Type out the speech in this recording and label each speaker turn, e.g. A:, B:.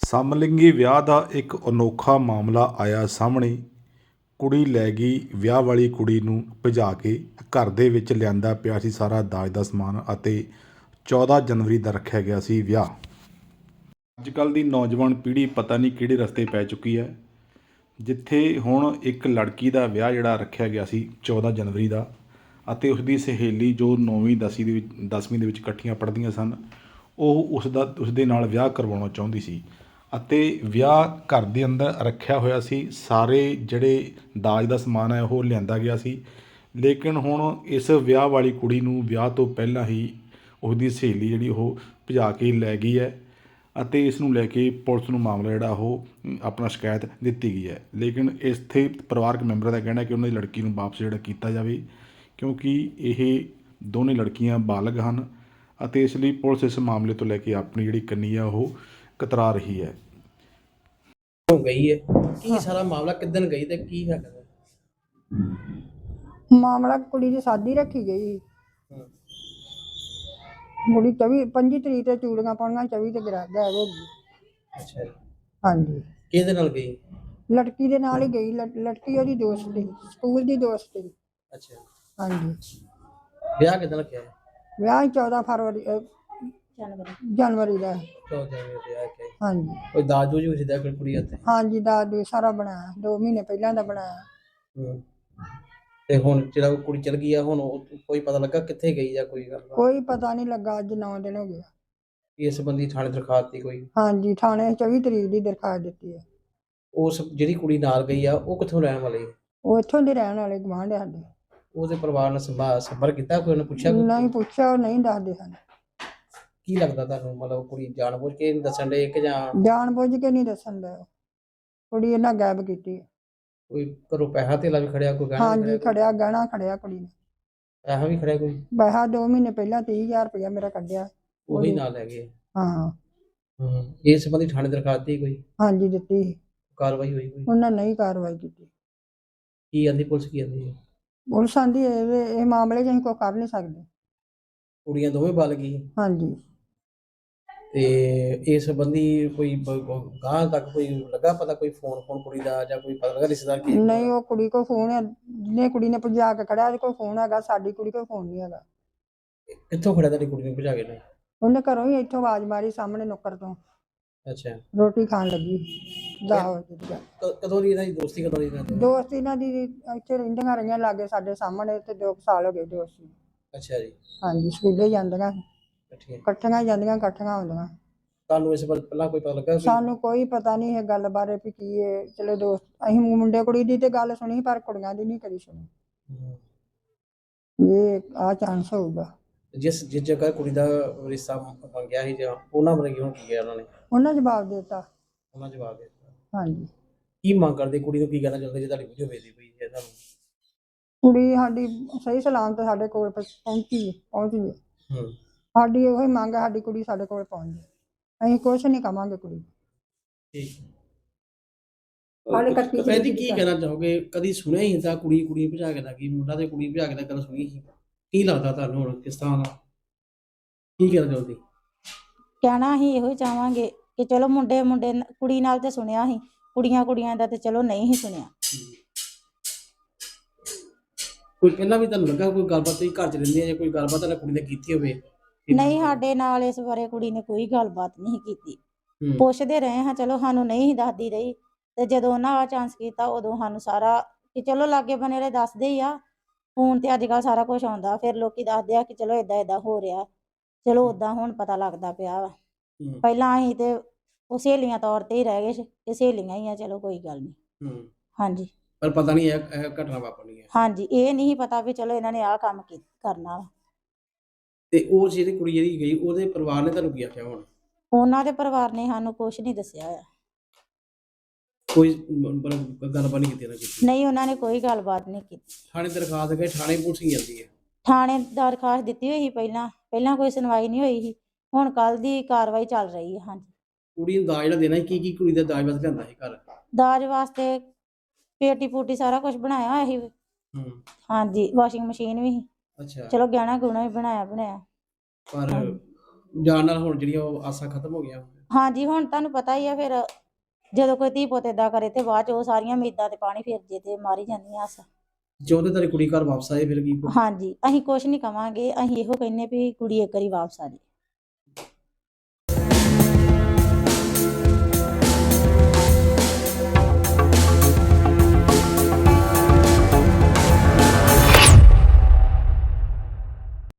A: ਸਮਲਿੰਗੀ ਵਿਆਹ ਦਾ ਇੱਕ ਅਨੋਖਾ ਮਾਮਲਾ ਆਇਆ ਸਾਹਮਣੇ। ਕੁੜੀ ਲੈ ਗਈ ਵਿਆਹ ਵਾਲੀ ਕੁੜੀ ਨੂੰ ਭਜਾ ਕੇ। ਘਰ ਦੇ ਵਿੱਚ ਲਿਆਂਦਾ ਪਿਆ ਸੀ ਸਾਰਾ ਦਾਜ ਦਾ ਸਮਾਨ ਅਤੇ 14 ਜਨਵਰੀ ਦਾ ਰੱਖਿਆ ਗਿਆ ਸੀ ਵਿਆਹ। ਅੱਜ ਕੱਲ੍ਹ ਦੀ ਨੌਜਵਾਨ ਪੀੜ੍ਹੀ ਪਤਾ ਨਹੀਂ ਕਿਹੜੇ ਰਸਤੇ ਪੈ ਚੁੱਕੀ ਹੈ, ਜਿੱਥੇ ਹੁਣ ਇੱਕ ਲੜਕੀ ਦਾ ਵਿਆਹ ਜਿਹੜਾ ਰੱਖਿਆ ਗਿਆ ਸੀ 14 ਜਨਵਰੀ ਦਾ, ਅਤੇ ਉਸਦੀ ਸਹੇਲੀ ਜੋ 9ਵੀਂ 10ਵੀਂ ਦੇ ਵਿੱਚ ਇਕੱਠੀਆਂ ਪੜ੍ਹਦੀਆਂ ਸਨ, ਉਹ ਉਸਦੇ ਨਾਲ ਵਿਆਹ ਕਰਵਾਉਣਾ ਚਾਹੁੰਦੀ ਸੀ ਅਤੇ ਵਿਆਹ ਘਰ ਦੇ ਅੰਦਰ ਰੱਖਿਆ ਹੋਇਆ ਸੀ। ਸਾਰੇ ਜਿਹੜੇ ਦਾਜ ਦਾ ਸਮਾਨ ਹੈ ਉਹ ਲਿਆਂਦਾ ਗਿਆ ਸੀ, ਲੇਕਿਨ ਹੁਣ ਇਸ ਵਿਆਹ ਵਾਲੀ ਕੁੜੀ ਨੂੰ ਵਿਆਹ ਤੋਂ ਪਹਿਲਾਂ ਹੀ ਉਸਦੀ ਸਹੇਲੀ ਜਿਹੜੀ ਉਹ ਭਜਾ ਕੇ ਲੈ ਗਈ ਹੈ ਅਤੇ ਇਸ ਨੂੰ ਲੈ ਕੇ ਪੁਲਿਸ ਨੂੰ ਮਾਮਲਾ ਜਿਹੜਾ ਉਹ ਆਪਣਾ ਸ਼ਿਕਾਇਤ ਦਿੱਤੀ ਗਈ ਹੈ। ਲੇਕਿਨ ਇੱਥੇ ਪਰਿਵਾਰਕ ਮੈਂਬਰਾਂ ਦਾ ਕਹਿਣਾ ਕਿ ਉਹਨਾਂ ਦੀ ਲੜਕੀ ਨੂੰ ਵਾਪਸ ਜਿਹੜਾ ਕੀਤਾ ਜਾਵੇ, ਕਿਉਂਕਿ ਇਹ ਦੋਨੇ ਲੜਕੀਆਂ ਬਾਲਗ ਹਨ ਅਤੇ ਇਸ ਲਈ ਪੁਲਿਸ ਇਸ ਮਾਮਲੇ ਤੋਂ ਲੈ ਕੇ ਆਪਣੀ ਜਿਹੜੀ ਕੰਨੀ ਆ ਉਹ ਕਤਰਾ ਰਹੀ ਹੈ।
B: ਹੋ ਗਈ ਹੈ ਕੀ ਸਾਰਾ ਮਾਮਲਾ ਕਿੱਦਣ ਗਈ ਤੇ ਕੀ ਹੈਗਾ?
C: ਮਾਮਲਾ ਕੁੜੀ ਦੀ ਸ਼ਾਦੀ ਰੱਖੀ ਗਈ। ਕੁੜੀ 25 ਤਰੀਕ ਤੇ ਚੂੜੀਆਂ ਪਾਉਣੀਆਂ, 24 ਤੇ ਗਾਇਬ ਹੋ ਗਈ।
B: ਅੱਛਾ ਜੀ।
C: ਹਾਂਜੀ।
B: ਕਿਹਦੇ ਨਾਲ ਗਈ?
C: ਲੜਕੀ ਦੇ ਨਾਲ ਹੀ ਗਈ। ਲੜਕੀ ਉਹਦੀ ਦੋਸਤ ਸੀ, ਸਕੂਲ ਦੀ ਦੋਸਤ ਸੀ।
B: ਅੱਛਾ।
C: ਹਾਂਜੀ।
B: ਵਿਆਹ ਕਿੱਦਣ ਰੱਖਿਆ ਹੈ?
C: ਵਿਆਹ 14 ਫਰਵਰੀ ਜਨਵਰੀ ਦਾ।
B: 14 ਜਨਵਰੀ ਵਿਆਹ ਕਿ
C: ਹਾਂਜੀ।
B: ਕੋਈ ਦਾਜ ਦੂਜ ਵੀ ਸਿੱਧਾ ਕੁੜੀ ਹੱਥੇ?
C: ਹਾਂਜੀ, ਦਾਜ ਸਾਰਾ ਬਣਾਇਆ, 2 ਮਹੀਨੇ ਪਹਿਲਾਂ ਦਾ ਬਣਾਇਆ।
B: ਤੇ ਹੁਣ ਜਿਹੜਾ ਉਹ ਕੁੜੀ ਚਲ ਗਈ ਆ, ਹੁਣ ਕੋਈ ਪਤਾ ਲੱਗਾ ਕਿੱਥੇ ਗਈ ਜਾਂ ਕੋਈ ਗੱਲ?
C: ਕੋਈ ਪਤਾ ਨਹੀਂ ਲੱਗਾ। ਅੱਜ 9 ਦਿਨ ਹੋ ਗਏ।
B: ਇਸ ਸੰਬੰਧੀ ਥਾਣੇ ਦਰਖਾਸਤ ਦੀ ਕੋਈ?
C: ਹਾਂਜੀ, ਥਾਣੇ 24 ਤਰੀਕ ਦੀ ਦਰਖਾਸਤ ਦਿੱਤੀ ਹੈ।
B: ਉਸ ਜਿਹੜੀ ਕੁੜੀ ਨਾਲ ਗਈ ਆ ਉਹ ਕਿੱਥੋਂ ਰਹਿਣ ਵਾਲੀ?
C: ਉਹ ਇੱਥੋਂ ਦੇ ਰਹਿਣ ਵਾਲੇ, ਗੁਆਂਢ ਸਾਡੇ।
B: ਉਹਦੇ ਪਰਿਵਾਰ ਨਾਲ ਸੰਪਰਕ ਕੀਤਾ? ਕੋਈ ਉਹਨੇ ਪੁੱਛਿਆ?
C: ਨਹੀਂ ਪੁੱਛਿਆ, ਉਹ ਨਹੀਂ ਦੱਸਦੇ ਹਨ।
B: ਕੀ ਲੱਗਦਾ ਤੁਹਾਨੂੰ, ਮਤਲਬ ਕੁੜੀ ਜਾਣਬੁੱਝ ਕੇ ਨਹੀਂ ਦੱਸਣ ਦੇ ਕਿ ਜਾਂ
C: ਜਾਣ ਬੁੱਝ ਕੇ ਨਹੀਂ ਦੱਸਣ ਦਾ? ਕੁੜੀ ਇਹਨਾਂ ਗਾਇਬ ਕੀਤੀ ਹੈ।
B: ਕੋਈ ਘਰੋਂ ਪੈਸਾ ਧੇਲਾ ਵੀ ਖੜਿਆ? ਕੋਈ ਗਹਿਣਾ
C: ਹਾਂਜੀ, ਖੜਿਆ, ਗਹਿਣਾ ਖੜਿਆ ਕੁੜੀ ਨੇ।
B: ਪੈਸਾ ਵੀ ਖੜਿਆ ਕੋਈ?
C: ਪੈਸਾ 2 ਮਹੀਨੇ ਪਹਿਲਾਂ 30,000 ਰੁਪਇਆ ਮੇਰਾ ਕੱਢਿਆ।
B: ਉਹੀ ਨਾਲ ਲੈ ਗਏ?
C: ਹਾਂ।
B: ਇਸ ਸੰਬੰਧੀ ਥਾਣੇ ਦਰਖਾਸਤ ਦੀ ਕੋਈ?
C: ਹਾਂਜੀ, ਦਿੱਤੀ ਸੀ।
B: ਕਾਰਵਾਈ ਹੋਈ ਕੋਈ?
C: ਉਹਨਾਂ ਨਹੀਂ ਕਾਰਵਾਈ ਕੀਤੀ।
B: ਕੀ ਆਂਦੀ ਪੁਲਿਸ, ਕੀ ਆਂਦੀ?
C: ਪੁਲਿਸ ਆਂਦੀ ਇਹ ਮਾਮਲੇ 'ਚ ਅਸੀਂ ਕੋਈ ਕਰ ਨਹੀਂ ਸਕਦੇ।
B: ਕੁੜੀਆਂ ਦੋਵੇਂ ਬਲ ਗਈ
C: ਹਾਂਜੀ।
B: ਤੇ ਇਸ ਸੰਬੰਧੀ ਕੋਈ ਗਾਂ ਤੱਕ ਕੋਈ ਲੱਗਾ ਪਤਾ? ਕੋਈ ਫੋਨ ਕੁੜੀ ਦਾ ਜਾਂ ਕੋਈ ਪਤਾ ਲੱਗਾ ਰਿਸ਼ਤੇਦਾਰ ਕੀ?
C: ਨਹੀਂ, ਉਹ ਕੁੜੀ ਕੋਲ ਫੋਨ ਹੈ, ਜਿਹਨੇ ਕੁੜੀ ਨੇ ਭਜਾ ਕੇ ਖੜਿਆ ਉਹਦੇ ਕੋਲ ਫੋਨ ਹੈਗਾ। ਸਾਡੀ ਕੁੜੀ ਕੋਲ ਫੋਨ ਨਹੀਂ ਹੈਗਾ।
B: ਕਿੱਥੋਂ ਖੜਿਆ ਤੁਹਾਡੀ ਕੁੜੀ ਨੂੰ ਭਜਾ ਕੇ ਨੇ?
C: ਉਹਨੇ ਘਰੋਂ ਹੀ ਇੱਥੋਂ ਆਵਾਜ਼ ਮਾਰੀ, ਸਾਹਮਣੇ ਨੁੱਕਰ ਤੋਂ।
B: ਅੱਛਾ।
C: ਰੋਟੀ ਖਾਣ ਲੱਗੀ 10 ਵਜੇ ਦੀ ਗੱਲ।
B: ਕਦੋਂ ਦੀ ਇਹਨਾਂ ਦੀ ਦੋਸਤੀ? ਕਦੋਂ ਦੀ ਇਹਨਾਂ ਦੀ
C: ਦੋਸਤ? ਇਹਨਾਂ ਦੀ ਇੱਥੇ ਰਹਿੰਦੀਆਂ ਰਹੀਆਂ ਲਾਗੇ ਸਾਡੇ ਸਾਹਮਣੇ, ਤੇ 2 ਸਾਲ ਹੋ ਗਏ ਦੋਸਤੀ।
B: ਅੱਛਾ ਜੀ।
C: ਹਾਂਜੀ, ਸਕੂਲੇ ਜਾਂਦੀਆਂ,
B: ਠੀਕ।
C: ਇਕੱਠੀਆਂ ਜਾਂਦੀਆਂ, ਇਕੱਠੀਆਂ ਆਉਂਦੀਆਂ।
B: ਤੁਹਾਨੂੰ ਇਸ ਬਾਰੇ ਪਹਿਲਾਂ ਕੋਈ ਪਤਾ ਲੱਗਾ?
C: ਸਾਨੂੰ ਕੋਈ ਪਤਾ ਨਹੀਂ ਇਹ ਗੱਲ ਬਾਰੇ ਵੀ ਕੀ ਹੈ। ਚਲੋ ਦੋਸਤ, ਅਸੀਂ ਮੁੰਡੇ ਕੁੜੀ ਦੀ ਤੇ ਗੱਲ ਸੁਣੀ, ਪਰ ਕੁੜੀਆਂ ਦੀ ਨਹੀਂ ਕਦੀ ਸੁਣੀ। ਇਹ ਆਹ ਚਾਂਸ ਹੋਊਗਾ।
B: ਜਿਸ ਜਗ੍ਹਾ ਕੁੜੀ ਦਾ ਰਿਸ਼ਤਾ ਮੰਗਿਆ ਸੀ ਜਾਂ ਉਹਨਾਂ ਬਾਰੇ ਹੁਣ ਕੀ ਕਿਹਾ ਉਹਨਾਂ ਨੇ?
C: ਉਹਨਾਂ ਜਵਾਬ ਦੇ ਦਿੱਤਾ।
B: ਉਹਨਾਂ ਜਵਾਬ ਦੇ ਦਿੱਤਾ?
C: ਹਾਂਜੀ।
B: ਕੀ ਮੰਗ ਕਰਦੇ? ਕੁੜੀ ਨੂੰ ਕੀ ਕਹਿਣਾ ਚਾਹੁੰਦੇ ਜੇ ਤੁਹਾਡੀ ਵੀਡੀਓ ਵੇਖਦੀ ਪਈ ਹੈ ਤੁਹਾਨੂੰ?
C: ਕੁੜੀ ਸਾਡੀ ਸਹੀ ਸਲਾਮਤ ਸਾਡੇ ਕੋਲ ਪਹੁੰਚੀ ਹੈ। ਸਾਡੀ ਉਹੀ ਮੰਗ ਹੈ, ਸਾਡੀ ਕੁੜੀ ਸਾਡੇ ਕੋਲ ਪਹੁੰਚ ਜਾਏ। ਅਸੀਂ ਕੁਛ ਨਹੀਂ ਕਵਾਂਗੇ ਕੁੜੀ।
B: ਠੀਕ।
C: ਹਾਲੇ ਕੱਟੀ
B: ਭੈਣ ਜੀ, ਕੀ ਕਹਿਣਾ ਚਾਹੋਗੇ? ਕਦੀ ਸੁਣਿਆ ਹੀ ਤਾਂ ਕੁੜੀ ਭਜਾ ਕੇ ਲੱਗੀ, ਮੁੰਡਾ ਤੇ ਕੁੜੀ ਭਜਾ ਕੇ ਤਾਂ ਕਦੇ ਸੁਣੀ ਸੀ? ਕੀ ਲੱਗਦਾ ਤੁਹਾਨੂੰ ਹੁਣ ਕਿਸ ਤਰ੍ਹਾਂ ਦਾ? ਕੀ ਕਹਿਣਾ ਚਾਹੁੰਦੀ?
D: ਕਹਿਣਾ ਅਸੀਂ ਇਹੋ ਹੀ ਚਾਹਾਂਗੇ ਕਿ ਚਲੋ ਮੁੰਡੇ ਕੁੜੀ ਨਾਲ ਤੇ ਸੁਣਿਆ ਸੀ, ਕੁੜੀਆਂ ਦਾ ਤੇ ਚਲੋ ਨਹੀਂ ਹੀ ਸੁਣਿਆ।
B: ਕੋਈ ਪਹਿਲਾਂ ਵੀ ਤੁਹਾਨੂੰ ਲੱਗਾ ਕੋਈ ਗੱਲਬਾਤ? ਤੁਸੀਂ ਘਰ 'ਚ ਰਹਿੰਦੇ ਆ ਜਾਂ ਕੋਈ ਗੱਲਬਾਤ ਤੁਹਾਡੀ ਕੁੜੀ ਨੇ ਕੀਤੀ ਹੋਵੇ?
D: ਨਹੀਂ, ਸਾਡੇ ਨਾਲ ਇਸ ਬਾਰੇ ਕੁੜੀ ਨੇ ਕੋਈ ਗੱਲਬਾਤ ਨਹੀਂ ਕੀਤੀ। ਪੁੱਛਦੇ ਰਹੇ ਹਾਂ, ਚਲੋ ਸਾਨੂੰ ਨਹੀਂ ਹੀ ਦੱਸਦੀ ਰਹੀ। ਤੇ ਜਦੋਂ ਉਹਨਾਂ ਆ ਚਾਂਸ ਕੀਤਾ, ਉਦੋਂ ਸਾਨੂੰ ਸਾਰਾ ਕਿ ਚਲੋ ਲਾਗੇ ਬਨੇ ਵਾਲੇ ਦੱਸਦੇ ਹੀ ਆ। ਫੋਨ ਤੇ ਅੱਜ ਕੱਲ੍ਹ ਸਾਰਾ ਕੁਝ ਆਉਂਦਾ, ਫਿਰ ਲੋਕੀ ਦੱਸਦੇ ਆ ਕਿ ਚਲੋ ਏਦਾਂ ਹੋ ਰਿਹਾ। ਚਲੋ ਓਦਾਂ ਹੁਣ ਪਤਾ ਲੱਗਦਾ ਪਿਆ ਵਾ। ਪਹਿਲਾਂ ਅਸੀਂ ਤੇ ਉਹ ਸਹੇਲੀਆਂ ਤੌਰ ਤੇ ਹੀ ਰਹਿ ਗਏ ਕਿ ਸਹੇਲੀਆਂ ਹੀ ਆ, ਚਲੋ ਕੋਈ ਗੱਲ ਨਹੀਂ। ਹਾਂਜੀ।
B: ਪਰ ਪਤਾ ਨਹੀਂ ਇਹ ਘਟਨਾ ਵਾਪਰਨੀ ਹੈ।
D: ਹਾਂਜੀ, ਇਹ ਨਹੀਂ ਪਤਾ ਵੀ ਚਲੋ ਇਹਨਾਂ ਨੇ ਆਹ ਕੰਮ ਕਰਨਾ ਵਾ।
B: ਤੇ ਉਹ ਜਿਹੜੀ ਕੁੜੀ ਜਿਹੜੀ ਗਈ, ਉਹਦੇ ਪਰਿਵਾਰ ਨੇ ਤੁਹਾਨੂੰ ਕੀ ਆਖਿਆ ਹੁਣ?
D: ਉਹਨਾਂ ਦੇ ਪਰਿਵਾਰ ਨੇ ਸਾਨੂੰ ਕੁਛ ਨਹੀਂ ਦੱਸਿਆ ਹੋਇਆ।
B: ਕੋਈ ਗੱਲਬਾਤ ਨਹੀਂ ਕੀਤੀ?
D: ਨਹੀਂ, ਉਹਨਾਂ ਨੇ ਕੋਈ ਗੱਲਬਾਤ ਨਹੀਂ ਕੀਤੀ।
B: ਥਾਣੇ ਦਰਖਾਸਤ ਗਏ? ਥਾਣੇ ਪੁਲਿਸ ਹੀ ਜਾਂਦੀ ਹੈ?
D: ਥਾਣੇ ਦਰਖਾਸਤ ਦਿੱਤੀ ਹੋਈ ਸੀ ਪਹਿਲਾਂ ਕੋਈ ਸੁਣਵਾਈ ਨਹੀਂ ਹੋਈ ਸੀ। ਹੁਣ ਕੱਲ ਦੀ ਕਾਰਵਾਈ ਚੱਲ ਰਹੀ ਹੈ। ਹਾਂਜੀ।
B: ਕੁੜੀ ਨੂੰ ਦਾਜ ਜਿਹੜਾ ਦੇਣਾ ਸੀ, ਕੀ ਕੁੜੀ ਦਾ ਦਾਜ ਵਾਸਤੇ ਲਿਆਂਦਾ ਸੀ ਘਰ?
D: ਦਾਜ ਵਾਸਤੇ ਪੇਟੀ ਪੂਟੀ ਸਾਰਾ ਕੁਝ ਬਣਾਇਆ ਹੋਇਆ ਸੀ। ਹਾਂਜੀ, ਵਾਸ਼ਿੰਗ ਮਸ਼ੀਨ ਵੀ ਸੀ।
B: ਅੱਛਾ।
D: ਚਲੋ ਗਹਿਣਾ ਗੁਣਾ ਵੀ ਬਣਾਇਆ।
B: ਪਰ ਜਾਣ ਨਾਲ ਹੁਣ ਜਿਹੜੀਆਂ ਉਹ ਆਸਾਂ ਖਤਮ ਹੋ ਗਈਆਂ?
D: ਹਾਂਜੀ ਹੁਣ ਤੁਹਾਨੂੰ ਪਤਾ ਹੀ ਆ ਫਿਰ ਜਦੋਂ ਕੋਈ ਧੀ ਪੁੱਤ ਏਦਾਂ ਕਰੇ ਤੇ ਬਾਅਦ ਚ ਉਹ ਸਾਰੀਆਂ ਉਮੀਦਾਂ ਤੇ ਪਾਣੀ ਫਿਰ ਜੇ ਤੇ ਮਾਰੀ ਜਾਂਦੀਆਂ ਆਸ।
B: ਚਾਹੁੰਦੇ ਤੇਰੀ ਕੁੜੀ ਘਰ ਵਾਪਸ ਆਏ ਫਿਰ ਕੀ?
D: ਹਾਂਜੀ ਅਸੀਂ ਕੁਛ ਨਹੀਂ ਕਵਾਂਗੇ, ਅਸੀਂ ਇਹੋ ਕਹਿੰਨੇ ਵੀ ਕੁੜੀ ਇੱਕ ਵਾਰੀ ਵਾਪਸ ਆ ਜੇ।